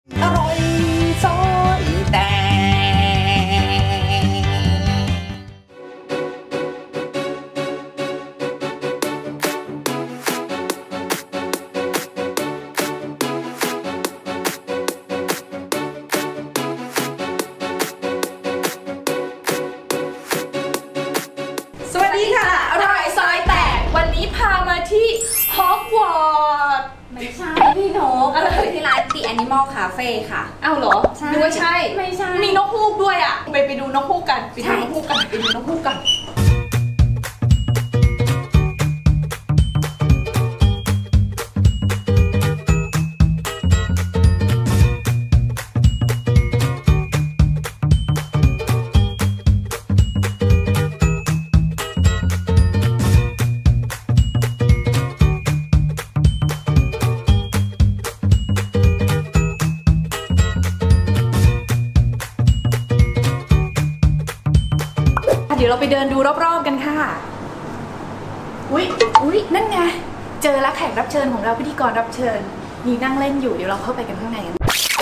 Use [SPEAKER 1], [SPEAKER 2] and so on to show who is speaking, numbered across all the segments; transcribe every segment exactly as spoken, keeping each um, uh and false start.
[SPEAKER 1] อร่อยซอยแตกสวัสดีค่ะอร่อยซอยแตกวันนี้พามาที่ฮอกวอตส์
[SPEAKER 2] ไม่ใช่พี่นกอะไรที่ร้าน The Animal Cafe ค่ะ
[SPEAKER 1] อ้าวเหรอนึกว่าใช่
[SPEAKER 2] ไม่ใช่
[SPEAKER 1] มีนกฮูกด้วยอ่ะไปไปดูนกฮูกกันไปดูนกฮูกกันไปดูนกฮูกกันเดี๋ยวเราไปเดินดูรอบๆกันค่ะอุ๊ยอุ๊ยนั่นไงเจอแล้วแขกรับเชิญของเราพิธีกรรับเชิญนี่นั่งเล่นอยู่เดี๋ยวเราเข้าไปกันข้างในกัน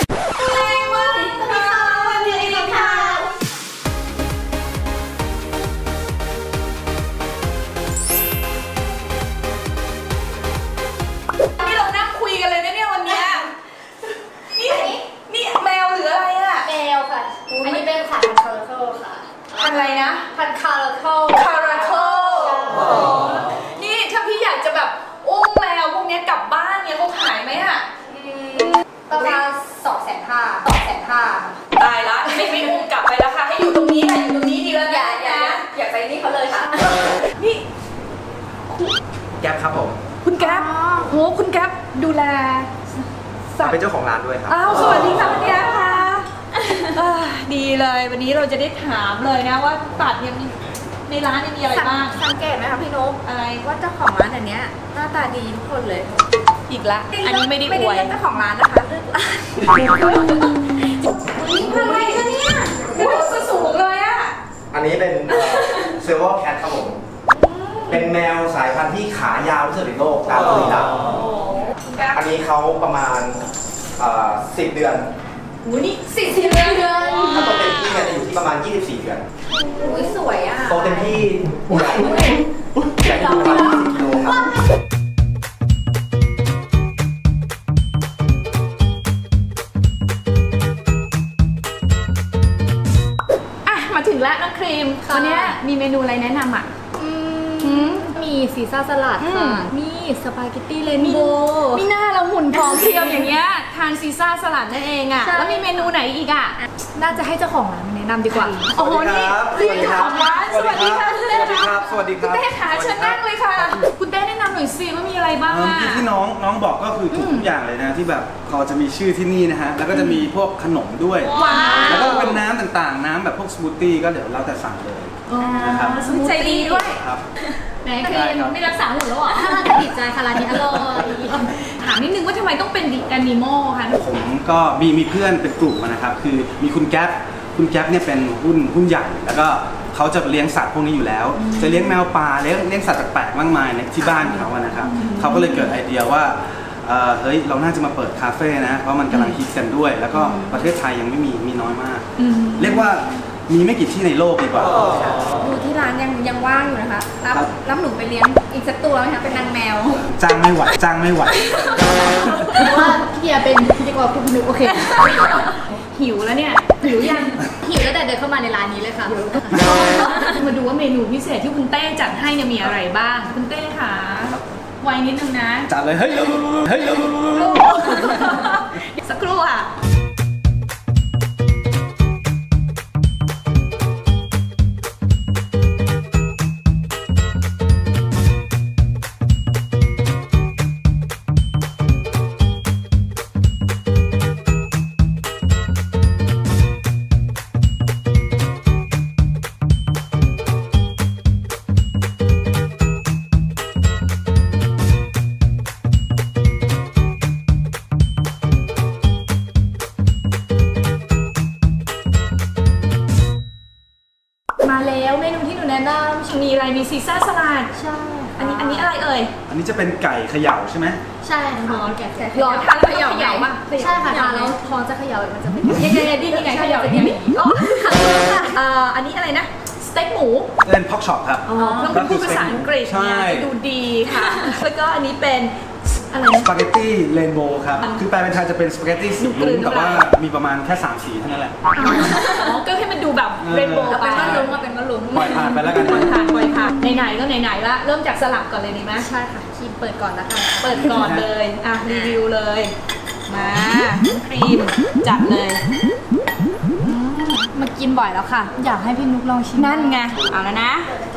[SPEAKER 1] นี่เรานั่งคุยกันเลยนะเนี่ยวันนี้นี่นี่แมวหรืออะไรอะ
[SPEAKER 2] แมวค่ะอันนี้เป็นสายพันธุ์คาราเคิลค่ะ
[SPEAKER 1] พันอะไรนะ
[SPEAKER 2] พันธุ์คาราเคิล
[SPEAKER 1] คาราเคิลนี่ถ้าพี่อยากจะแบบอุ้มแมวพวกนี้กลับบ้านเนี่ยเขาขายไหมอะ
[SPEAKER 2] ประมาณสองแสนห้าสองแสนห้า
[SPEAKER 1] ตายละไม่ไม่อุ้มกลับไปแล้วค่ะให้อยู่ตรงนี้ค่ะอยู่ตรงนี้ดีแล้ว
[SPEAKER 2] อย่าอย่าอย่าไปนี่เขาเลยค่ะ
[SPEAKER 1] นี่
[SPEAKER 3] แก๊ปครับผม
[SPEAKER 1] คุณแก๊ปโหคุณแก๊ปดูแล
[SPEAKER 3] สัตว์เป็นเจ้าของร้านด้วยครับ
[SPEAKER 1] อ้าวสวัสดีค่ะคุณแก๊ปค่ะดีเลยวันนี้เราจะได้ถามเลยนะว่าสัตว์เนี่ยในร้านนี่มีอะไรบ้าง
[SPEAKER 2] สังเกตไหมคะพี่นก
[SPEAKER 1] อะไร
[SPEAKER 2] ว่าเจ้าของร้านอันเนี้ยหน้าตาดีทุกคนเลย
[SPEAKER 1] อีกละอันนี้ไม่ได้อวย
[SPEAKER 2] ไม่ได้เจ้าของร้านนะคะเลือกร้านนี่ทำไมคะเนี่ย
[SPEAKER 1] โอ้สูงเลยอ่ะ
[SPEAKER 3] อันนี้เป็นเซอร์วอร์แคทครับผมเป็นแมวสายพันธุ์ที่ขายาวที่สุดในโลกตามตัวนี้อันนี้เขาประมาณสิบเดือน
[SPEAKER 1] โอ้นี่สิบเดือน
[SPEAKER 3] ถ้าโตเต็มที่เนี่ยจะอยู่ที่ประมาณยี่สิบสี่เดือน
[SPEAKER 2] อุ้ยสวยอ่ะ
[SPEAKER 3] โตเต็มที่ใหญ่ใหญ่ประมาณยี่สิบกิโลครับ
[SPEAKER 1] อ่ะมาถึงแล้วน้องครีมวันนี้มีเมนูอะไรแนะนำอ่ะ
[SPEAKER 2] มีซีซ่าสลัดค่ะมีสปาเกตตี้เรนโบว์
[SPEAKER 1] มีหน้าเราหุ่นผอมเพรียวอย่างเงี้ยทานซีซ่าสลัดนั่นเองอ่ะแล้วมีเมนูไหนอีกอ่ะน่าจะให้เจ้าของร้านแนะนำดีกว่าโอ้โหนี่พี่เจ้าของร้านสวัสดีค่ะคุณเต้
[SPEAKER 3] ครับสวัสดีครับ
[SPEAKER 1] คุณเต้ขาเชิญนั่งเลยค่ะคุณเต้แนะนำหน่อยสิว่ามีอะไรบ้างอ่ะ
[SPEAKER 4] ที่น้องน้องบอกก็คือทุกอย่างเลยนะที่แบบพอจะมีชื่อที่นี่นะฮะแล้วก็จะมีพวกขนมด้วยแล้วก็เป็นน้ำต่างๆน้ำแบบพวกสมูทตี้ก็เดี๋ยวเราแต่สั่งเลยนะครับ
[SPEAKER 1] ใจดีด้วย
[SPEAKER 4] ครับ
[SPEAKER 1] ไหนคือไม่รักษาหุ่นแล้วเหรอ
[SPEAKER 2] ถ้าเราจะติดใจค่ะร้านนี้อร่อย
[SPEAKER 1] ถามนิดนึงว่าทำไมต้องเป็นดิแอนิมอลคะ
[SPEAKER 4] ผมก็มีมีเพื่อนเป็นกลุ่มนะครับคือมีคุณแก๊ปคุณแก๊ปเนี่ยเป็นหุ้นหุ้นใหญ่แล้วก็เขาจะเลี้ยงสัตว์พวกนี้อยู่แล้วจะเลี้ยงแมวป่าเลี้ยงเลี้ยงสัตว์แปลกๆมากมายในที่บ้านเขาอะนะครับเขาก็เลยเกิดไอเดียว่าเฮ้ยเราน่าจะมาเปิดคาเฟ่นะเพราะมันกำลังฮิตกันด้วยแล้วก็ประเทศไทยยังไม่มีมีน้อยมากเรียกว่ามีไม่กี่ที่ในโลกดีกว่า
[SPEAKER 2] ดูที่ร้านยังยังว่างอยู่นะคะรับรับหนูไปเลี้ยงอีกสักตัวไหมคะเป็นนางแมว
[SPEAKER 4] จ้างไม่ไหวจ้างไม่ไหว
[SPEAKER 2] เพราะว่าพี่เอเป็นพิธีกรคุณนุ๊กโอเค
[SPEAKER 1] หิวแล้วเนี่ยหิวยัง
[SPEAKER 2] หิวแล้วแต่เดินเข้ามาในร้านนี้เลยค่ะ
[SPEAKER 1] มาดูว่าเมนูพิเศษที่คุณเต้จัดให้เนี่ยมีอะไรบ้างคุณเต้ค่ะไวนิดนึงนะ
[SPEAKER 4] จัดเลยเฮ้ยเฮ้ย
[SPEAKER 1] สักครู่อ่ะมาแล้วเมนูที่หนูแนะนำมีอะไรมีซีซ่าสลัด
[SPEAKER 2] ใช่
[SPEAKER 1] อันนี้อันนี้อะไรเอ่ย
[SPEAKER 4] อันนี้จะเป็นไก่เขย่าใช่ไหม
[SPEAKER 2] ใช่ค่ะแกะแกะ
[SPEAKER 1] รอทานแล้วเขย่าใหญ่ป่ะ
[SPEAKER 2] ใช่ค่ะทานแล้วพอจะเขย่ามันจะเป็น
[SPEAKER 1] ยังไงดียังไงเขย่ายังไงอ๋ออ่าอันนี้อะไรนะสเต็กหมู
[SPEAKER 4] เป็นพ็อกช็อปครับ
[SPEAKER 1] อ๋อต้องเป็นพูดภาษาอังกฤษ
[SPEAKER 4] ใช่
[SPEAKER 1] เนี่ยดูดีค่ะ แล้วก็อันนี้เป็นอะไร
[SPEAKER 4] ส
[SPEAKER 1] นะ
[SPEAKER 4] ปาเกตตี้เรนโบว์ครับ คือแปลเป็นไทยจะเป็นสปาเกตตี้สี
[SPEAKER 1] กลื
[SPEAKER 4] ลุ้
[SPEAKER 1] น
[SPEAKER 4] งแต่ว่า
[SPEAKER 1] น้ำลาย
[SPEAKER 4] มีประมาณแค่สามสีเท่านั้นแหละ
[SPEAKER 1] อ๋อก็ให้มันดูแบบเรนโบว์
[SPEAKER 2] เอา
[SPEAKER 1] ไป
[SPEAKER 2] เป็นว่าลุ้งเอาเป็นว่าลุ้ง
[SPEAKER 4] ปล่อยผ่านไปแล้วกัน
[SPEAKER 1] ปล่อยผ่านปล่อยผ่านไหนๆก็ไหนๆละเริ่มจากสลับก่อนเลยดีไหม
[SPEAKER 2] ใช่ค่ะครีมเปิดก่อนแล้วกัน
[SPEAKER 1] เปิดก่อนเลยอ่ะรีวิวเลย มาครีมจัดเลย
[SPEAKER 2] มากินบ่อยแล้วค่ะ อยากให้พี่นุกลองชิม
[SPEAKER 1] นั่นไงเอาแล้วนะ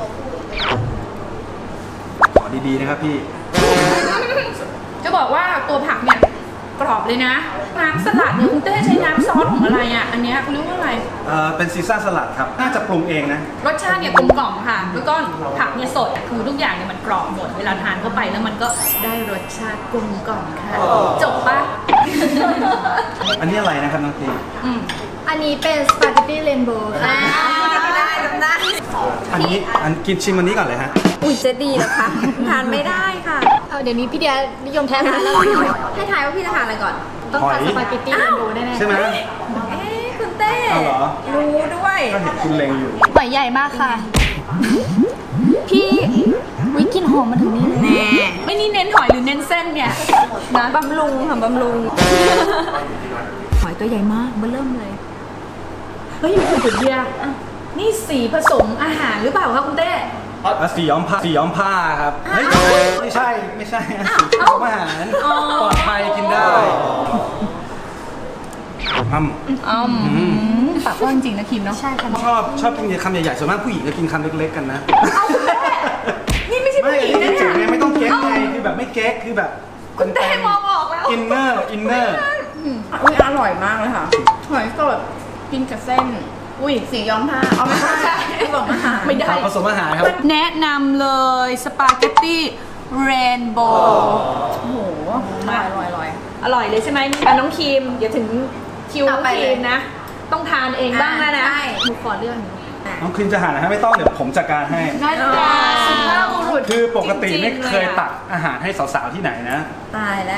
[SPEAKER 4] ขอดีๆนะครับพี่
[SPEAKER 1] จะบอกว่าตัวผักเนี่ยกรอบเลยนะน้ำสลัดเนี่ยคุณเต้ใช้น้ำซอสของอะไรอ่ะอันเนี้ยคุณเรียกว่าอะไร
[SPEAKER 4] เอ่อเป็นซีซ่าสลัดครับ น่าจะปรุงเองนะ
[SPEAKER 1] รสชาติเนี่ยกลมกล่อมค่ะแล้วก็ผักเนี่ยสดคือทุกอย่างเนี่ยมันกรอบหมดเวลาทานเข้าไปแล้วมันก็ได้รสชาติกลมกล่อมค่ะจบปะ
[SPEAKER 4] อันนี้อะไรนะครับน้องตี
[SPEAKER 1] อืม
[SPEAKER 2] อันนี้เป็นสปาเกตตี้เรนโบว์ค่ะ
[SPEAKER 1] ได้ได้
[SPEAKER 4] อันนี้อันกินชิมอันนี้ก่อนเลยฮะ
[SPEAKER 2] อุ้ยจะดีเหรอคะทานไม่ได้ค่ะเอาเดี๋ยวนี้พี่เดียนิยมแท้ทานแล้วให้ทายว่าพี่จะทานอะไรก่อน ต้องทาน
[SPEAKER 4] หอย
[SPEAKER 2] สปาเกตตี้เรนโบว์แน่ๆ
[SPEAKER 4] ใช่ไหม
[SPEAKER 2] เอ๊ะคุณเต้
[SPEAKER 4] เอาเหรอ
[SPEAKER 2] รู้ด้วย
[SPEAKER 4] ก็เห็นคุณเล็งอยู่
[SPEAKER 2] หอยใหญ่มากค่ะ พี่วิกลินหอมมาถึงนี่เลยแน่
[SPEAKER 1] ไม่นี่เน้นหอยหรือเน้นเส้นเนี่ยนะ
[SPEAKER 2] บำรุงค่ะบำรุง หอยตัวใหญ่มากเบิ่มเลย
[SPEAKER 1] เฮ้ยคุณจุดเดียอ่ะนี่สีผสมอาหารหรือเปล่าคะคุณเต้
[SPEAKER 4] อ่ะสีย้อมผ้าสีย้อมผ้าครับเฮ้ยไม่ใช่ไม่ใช่อ่ะสีผสมอาหารปลอดภัยกินได้อืม
[SPEAKER 1] อืม
[SPEAKER 4] อืม
[SPEAKER 1] ปากกว้างจริงนะคิมเนาะ
[SPEAKER 2] ใช่ค่ะ
[SPEAKER 4] ชอบชอบกินคำใหญ่ๆส่วนมากผู้หญิงจะกินคำเล็กๆกันนะ
[SPEAKER 1] นี่ไม่ใช่
[SPEAKER 4] ไม่
[SPEAKER 1] ผู้หญิง
[SPEAKER 4] อัน
[SPEAKER 1] นะ
[SPEAKER 4] นี้จริ
[SPEAKER 1] เนี่
[SPEAKER 4] งๆไง
[SPEAKER 1] ย
[SPEAKER 4] ไม่ต้องเก๊กไงคือแบบไม่เก๊กคือแบบ
[SPEAKER 1] คุณเต้มองออกแล้ว
[SPEAKER 4] อินเนอร์อินเนอร์
[SPEAKER 5] อุ้ยอร่อยมากเลยค่ะ หอยสดกินกับเส้น
[SPEAKER 1] อุ้ย
[SPEAKER 5] สีย้อมผ้าเอาไม่ใช่ผสมอาหาร
[SPEAKER 1] ไม่ได้
[SPEAKER 4] ผสมอาหารครับ
[SPEAKER 1] แนะนำเลยสปาเกตตี้เรนโบว์
[SPEAKER 5] โอ้โหอร่อยอร่อยอร่อย
[SPEAKER 1] อร่อยเลยใช่ไหมอ่ะน้องครีมเดี๋ยวถึงคิวน้
[SPEAKER 5] ต่
[SPEAKER 1] อ
[SPEAKER 5] อง ไป
[SPEAKER 1] ครีมนะ ต้องทานเองบ้างแล้วนะ
[SPEAKER 5] ใช่
[SPEAKER 2] หนูขอเรื่องนี้
[SPEAKER 4] น้องครีมจะหานะฮะไม่ต้องเดี๋ยวผมจัดการให้
[SPEAKER 1] นั่นไงสุภาพบุรุษ
[SPEAKER 4] คือปกติไม่
[SPEAKER 1] จริงๆ
[SPEAKER 4] เคย
[SPEAKER 1] ลอะ
[SPEAKER 4] ตักอาหารให้สาวๆที่ไหนนะ
[SPEAKER 5] ตายแล้ว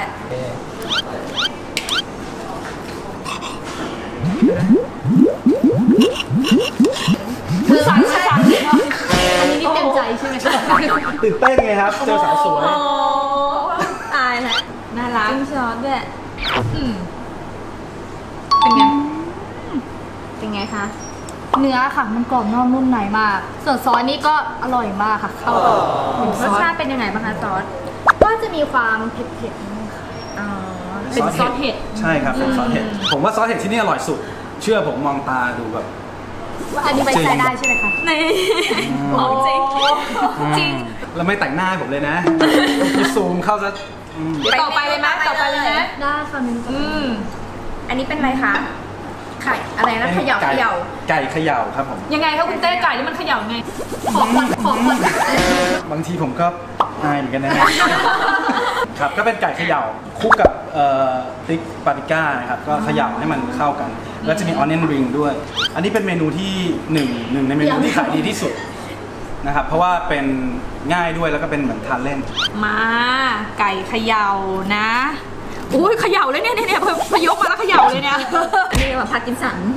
[SPEAKER 1] คือสั่งสั่ง
[SPEAKER 2] อันนี้นี่เต็มใจใช่ไหมคะ
[SPEAKER 4] ตื่นเต้นไงครับ เจอสาวสวย
[SPEAKER 1] โอ้
[SPEAKER 2] ตายแล้ว
[SPEAKER 1] น่ารัก
[SPEAKER 2] จิ้มซอสด้วย
[SPEAKER 1] อืมเป็นไง
[SPEAKER 2] เป็นไงคะ เนื้อค่ะมันกรอบนอกนุ่มในมาก ส่วนซอสนี่ก็อร่อยมากค่ะ เข้ากับรสชาติเป็นยังไงบ้างคะซอส ก็จะมีความเผ็ดๆนิดนึงค่ะ
[SPEAKER 5] อ๋อ
[SPEAKER 1] เป็นซอสเห็ด
[SPEAKER 4] ใช่ครับเป็นซอสเห็ดผมว่าซอสเห็ดที่นี่อร่อยสุด เชื่อผมมองตาดูแบบ
[SPEAKER 2] ว่าอันนี้ไปใช้ได้ใช่ไหมคะ
[SPEAKER 1] ในของจริงจริง
[SPEAKER 4] แล้วไม่แต่งหน้าให้ผมเลยนะพี่ซูมเข้าซะอืม
[SPEAKER 1] เดี๋ยวต่อไปเลยไหมต่อไปเลยไหม
[SPEAKER 2] ได้ค่ะมิ้น
[SPEAKER 1] อืม
[SPEAKER 5] อันนี้เป็นอะไรคะ ไข่อะไรนะเขย่าเข
[SPEAKER 4] ไก่
[SPEAKER 5] ย่า
[SPEAKER 4] ไก่เขย่าครับผม
[SPEAKER 1] ยังไงคะคุณเต้ไก่นี่มันเขย่าไง
[SPEAKER 2] ขอคนขอคน
[SPEAKER 4] บางทีผมก็อายเหมือนกันนะ ครับก็เป็นไก่เขย่าคลุกกับเอ่อพริกปาปริก้านะครับก็เขย่าให้มันเข้ากัน แล้วจะมีออนเนนริงด้วย อันนี้เป็นเมนูที่หนึ่งหนึ่งในเมนูที่ขายดีที่สุดนะครับเพราะว่าเป็นง่ายด้วยแล้วก็เป็นเหมือนทานเล่น
[SPEAKER 1] มาไก่เขย่านะอุ้ยเขย่าเลยเนี่ยเนี่ยเนี่ยพพยกมาแล้วเขย่าเลยเนี่ย
[SPEAKER 2] อันนี้แบบพากินสัน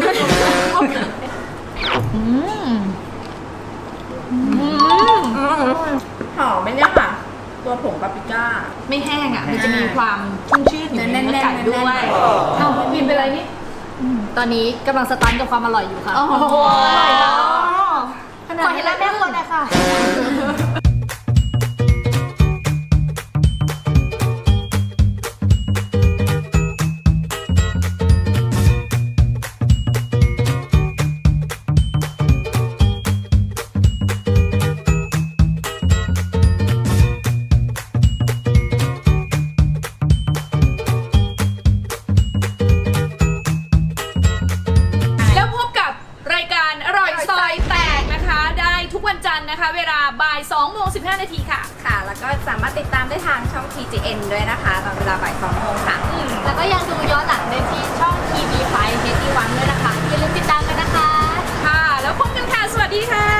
[SPEAKER 1] อืมอืม
[SPEAKER 5] หอมไหมเนี่ยค่ะ ตัวผงปาปริก้า
[SPEAKER 1] ไม่แห้งอ่ะมันจะมีความชุ่มชื่นอยู่ในเนื้อไก่ด้วย
[SPEAKER 5] แน่นๆ
[SPEAKER 1] เอ้าพิมพ์เป็นไรนี่
[SPEAKER 2] ตอนนี้กำลังสตันกับความอร่อยอยู่ค่ะ
[SPEAKER 1] โอ้โห
[SPEAKER 2] ขนาดนี้แล้วแม่คนเลยค่ะ
[SPEAKER 1] แล้วพบกับรายการอร่อยซอยแตกนะคะ ได้ทุกวันจันทร์นะคะ เวลาบ่ายสองโมงสิบห้านาทีค่ะ
[SPEAKER 5] ค่ะ แล้วก็สามารถติดตามได้ทางช่อง ที จี เอ็น ด้วยนะคะ ตอนเวลาบ่ายสองโมงค่ะ
[SPEAKER 2] แล้วก็ยังดูย้อนหลังได้ที่ช่องทีวีไฟเฮดดี้วันด้วยนะคะ อย่าลืมติดตามกันนะคะ
[SPEAKER 1] ค่ะ แล้วพบกันค่ะ สวัสดีค่ะ